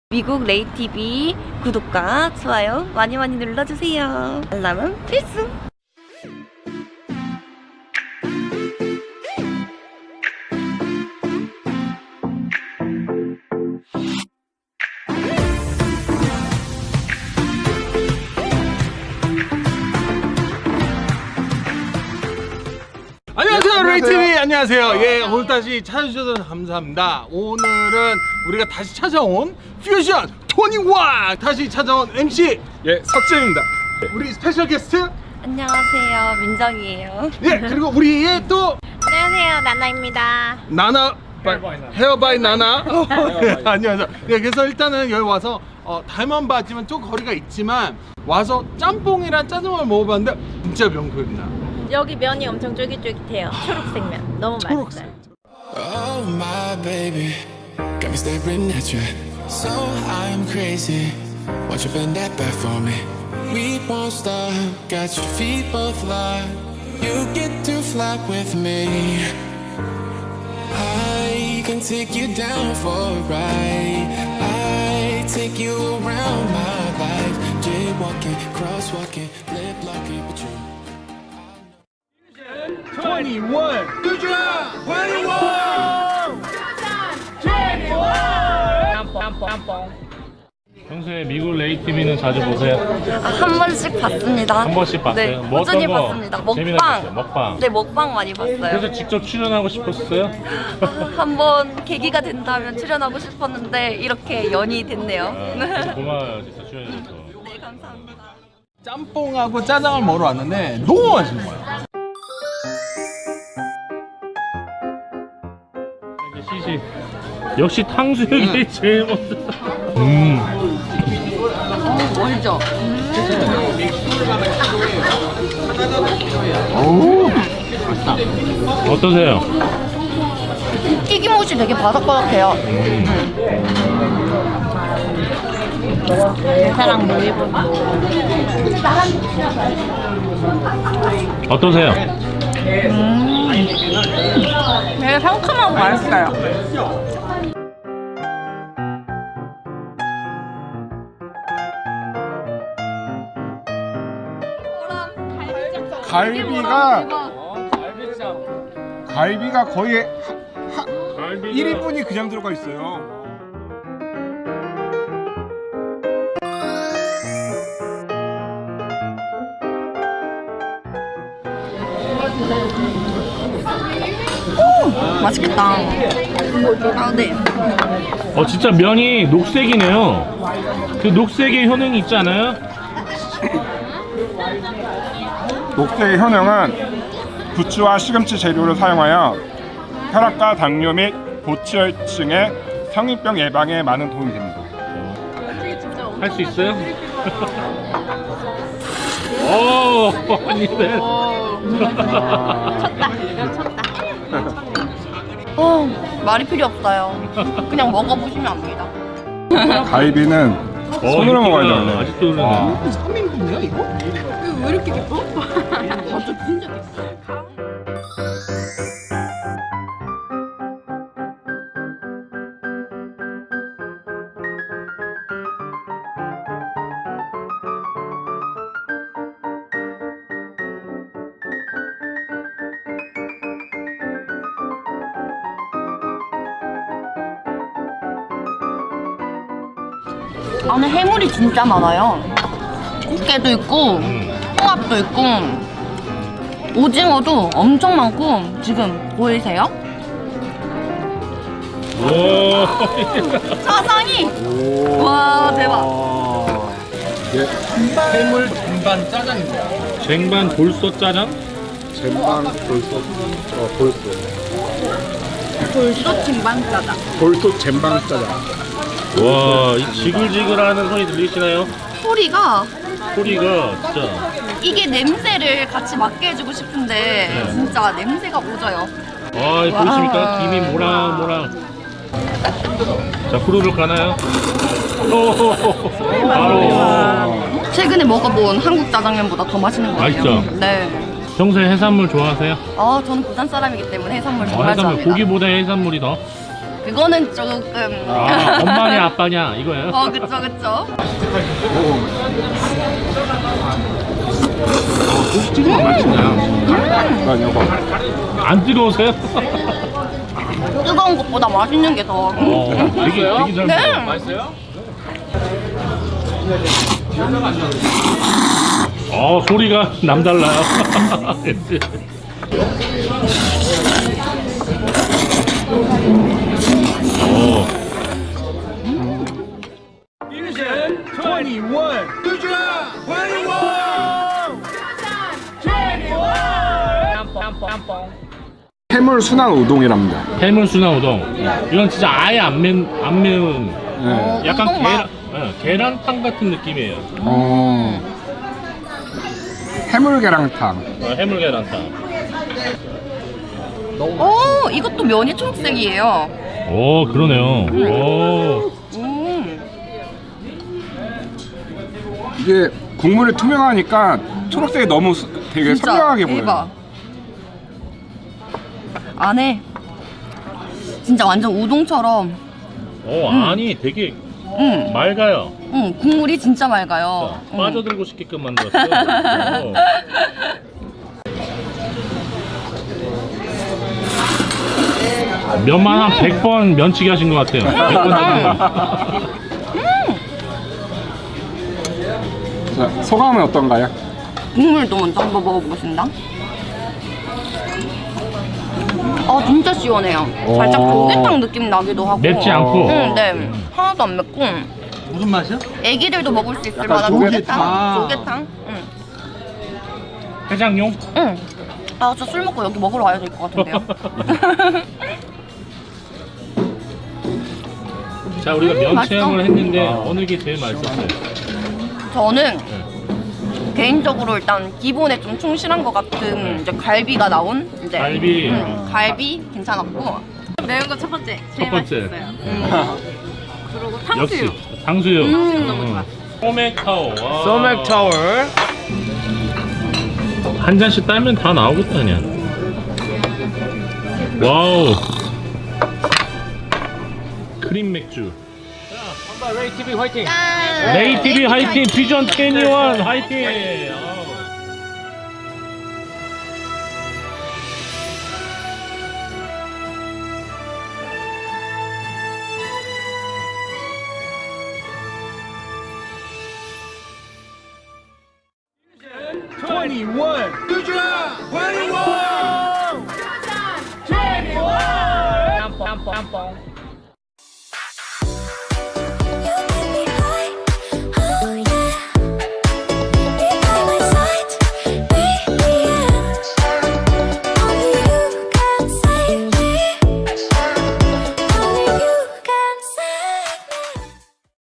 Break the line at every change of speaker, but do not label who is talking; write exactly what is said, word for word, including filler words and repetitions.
미국 레이티비 구독과 좋아요 많이 많이 눌러주세요. 알람은 필수!
안녕하세요, 레이티비. 안녕하세요. 예, 오늘 다시 찾아주셔서 감사합니다. 오늘은 우리가 다시 찾아온 퓨전 이십일 다시 찾아온 엠씨
예, 석재입니다.
우리 스페셜 게스트
안녕하세요, 민정이에요.
예, 그리고 우리의 또
안녕하세요, 나나입니다.
나나 헤어 바이 나나. 어, 예, 안녕하세요. 예, 그래서 일단은 여기 와서 어, 달만 봤지만 좀 거리가 있지만 와서 짬뽕이랑 짜장면을 먹어봤는데 진짜 명품입니다.
여기 면이 엄청 쫄깃쫄깃해요. 초록색 면 너무 맛있어요.
Oh my baby, got me staring at you. So I'm crazy. Won't you bend that back for me? We won't stop. Got your feet both locked. You get to fly with me. I can take you down for a ride. I take you around my life. Jaywalking, crosswalking, lip locking with you.
이십일 퓨전 이십일
평소에 미국 레이티비는 자주 보세요?
아, 한 번씩 봤습니다.
한 번씩 봤어요?
네,
뭐
꾸준히
어떤 거
봤습니다.
재미나게
먹방.
봤어요? 먹방.
네, 먹방 많이 봤어요.
그래서 직접 출연하고 싶었어요?
아, 한번 계기가 된다면 출연하고 싶었는데 이렇게 연이 됐네요.
아, 고마워요, 진짜 출연해줘서.
네, 감사합니다.
짬뽕하고 짜장을 먹으러 왔는데 너무 맛있는 거야.
이제 시식. 역시 탕수육이 제일 먼저. 음.
멀죠?
어떠세요?
튀김옷이 되게 바삭바삭해요.
사랑 놀이본.
어떠세요?
되게 상큼하고 맛있어요.
아, 어, 갈비가
갈비가 거의
갈비가
일 인분이 그냥 들어가 있어요.
맛있겠다. 아, 네.
어 진짜 면이 녹색이네요. 그 녹색의 효능이 있지 않아요?
녹색의 효능은 부추와 시금치 재료를 사용하여 혈압과 당뇨 및 고지혈증의 성인병 예방에 많은 도움이 됩니다.
할 수 있어요? 오, 아니네.
어, 말이 필요 없어요. 그냥 먹어보시면 압니다.
갈비는 손으로 먹어야 되는데.
아직도 그러네.
삼 인분이야 이거?
안에 해물이 진짜 많아요. 꽃게도 있고, 홍합도 있고, 오징어도 엄청 많고, 지금 보이세요?
오,
사상이! 와, 대박.
해물 전반 짜장입니다.
쟁반 돌솥 짜장?
젠방 돌솥, 어 돌솥,
돌솥 김반짜장.
돌솥 젠방 짜장.
와, 이 지글지글하는 소리 들리시나요?
소리가,
소리가 진짜.
이게 냄새를 같이 맡게 해주고 싶은데, 진짜 냄새가 오져요.
아, 이 보이십니까? 김이 모락모락. 자, 후루룩 가나요? 오, 바로.
최근에 먹어본 한국 짜장면보다 더 맛있는 것 같아요.
맛있죠?
네.
평소에 해산물 좋아하세요?
아, 저는 부산 사람이기 때문에 해산물
어,
정말
해산물,
좋아합니다.
고기보다 해산물이 더?
그 그거는 조금.
아, 엄마냐 아빠냐 이거예요?
어, 그쵸, 그쵸.
찌개가 맛있네요.
난 이거.
안 뜨거우세요?
뜨거운 것보다 맛있는 게 더.
어, 되게 되게 잘
네.
먹어요. 맛있어요? 어, 소리가 남달라요. 오.
해물 순한 우동이랍니다.
해물 순한 우동. 이건 진짜 아예 안, 매, 안 매운
네.
약간
우동
계란,
맛.
어, 계란탕 같은 느낌이에요.
어. 해물 계란탕.
어, 해물 계란탕.
오, 이것도 면이 초록색이에요.
오, 그러네요. 오.
음.
이게 국물이 투명하니까 초록색이 너무 수- 되게
진짜
선명하게
대박.
보여요.
안에 진짜 완전 우동처럼.
오, 아니 되게
음,
맑아요.
음, 국물이 진짜 맑아요.
자,
음.
빠져들고 싶게끔 만들었어요. 오. 면만 한 백 번 면치기 하신 것 같아요. 백 번 하신 거.
자, 소감은 어떤가요?
국물도 먼저 한번 먹어보겠습니다. 아, 진짜 시원해요. 살짝
오.
조개탕 느낌 나기도 하고.
맵지 않고.
응, 네. 하나도 안 맵고.
무슨 맛이야?
애기들도 먹을 수 있을
약간
만한
조개탕.
조개탕. 조개탕. 응.
해장용?
응. 아, 저 술 먹고 여기 먹으러 와야 될 것 같은데요.
자, 우리가
음,
면
맛있어.
체험을 했는데 어느 게 제일 맛있었어요?
저는 개인적으로 일단 기본에 좀 충실한 것 같은 이제 갈비가 나온 이제
갈비.
음, 갈비 괜찮았고.
매운 거 첫 번째.
첫
제일
번째.
맛있었어요. 그리고 탕수육.
역시 탕수육.
음.
너무 좋아.
소맥타워. 와.
소맥타워.
한 잔씩 따면 다 나오겠다 그냥. 와우. 크림 맥주.
레이티비 화이팅.
레이티비 화이팅, 비전 이십일 화이팅. 아우.
이십일.
짬뽕 짬뽕 짬뽕.